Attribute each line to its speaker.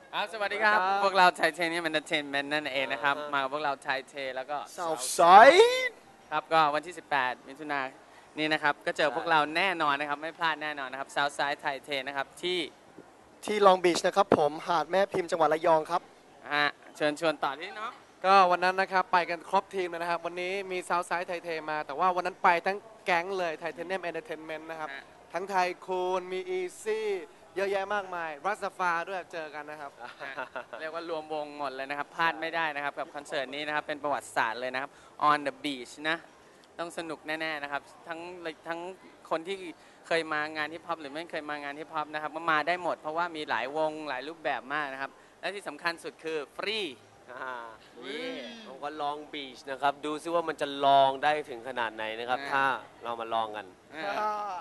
Speaker 1: ครับสวัสดีครับพวกเราไทเทเนียมเอนเตอร์เทนเมนต์นั่นเองนะครับมากับพวกเราไทเทแล้วก็
Speaker 2: Southside
Speaker 1: ครับก็วันที่ 18 มิถุนายนนี่นะครับก็เจอพวกเราแน่นอนนะครับไม่พลาดแน่นอนนะครับ Southside ไทเทนะครับ
Speaker 2: ที่ลองบีชนะครับผมหาดแม่พิมพ์จังหวัดระยองครับ
Speaker 1: เชิญชวนต่อที่เนาะ
Speaker 3: ก็วันนั้นนะครับไปกันครบทีมเลยนะครับวันนี้มีซาวด์ไซด์ไทเทมาแต่ว่าวันนั้นไปทั้งแก๊งเลยไทเทเนียมเอนเตอร์เทนเมนต์นะครับทั้งไทยคูนมีอีซี่เยอะแยะมากมายรัสฟาด้วยเจอกันนะครับ
Speaker 1: เรียกว่ารวมวงหมดเลยนะครับพลาดไม่ได้นะครับกับคอนเสิร์ตนี้นะครับเป็นประวัติศาสตร์เลยนะครับ On the Beach นะต้องสนุกแน่ๆนะครับทั้งคนที่เคยมางานฮิปฮอปหรือไม่เคยมางานฮิปฮอปนะครับก็มาได้หมดเพราะว่ามีหลายวงหลายรูปแบบมากนะครับและที่สำคัญสุดคือฟรี
Speaker 4: ผมก็ลองบีชนะครับดูซิว่ามันจะลองได้ถึงขนาดไหนนะครับถ้าเรามาลองกัน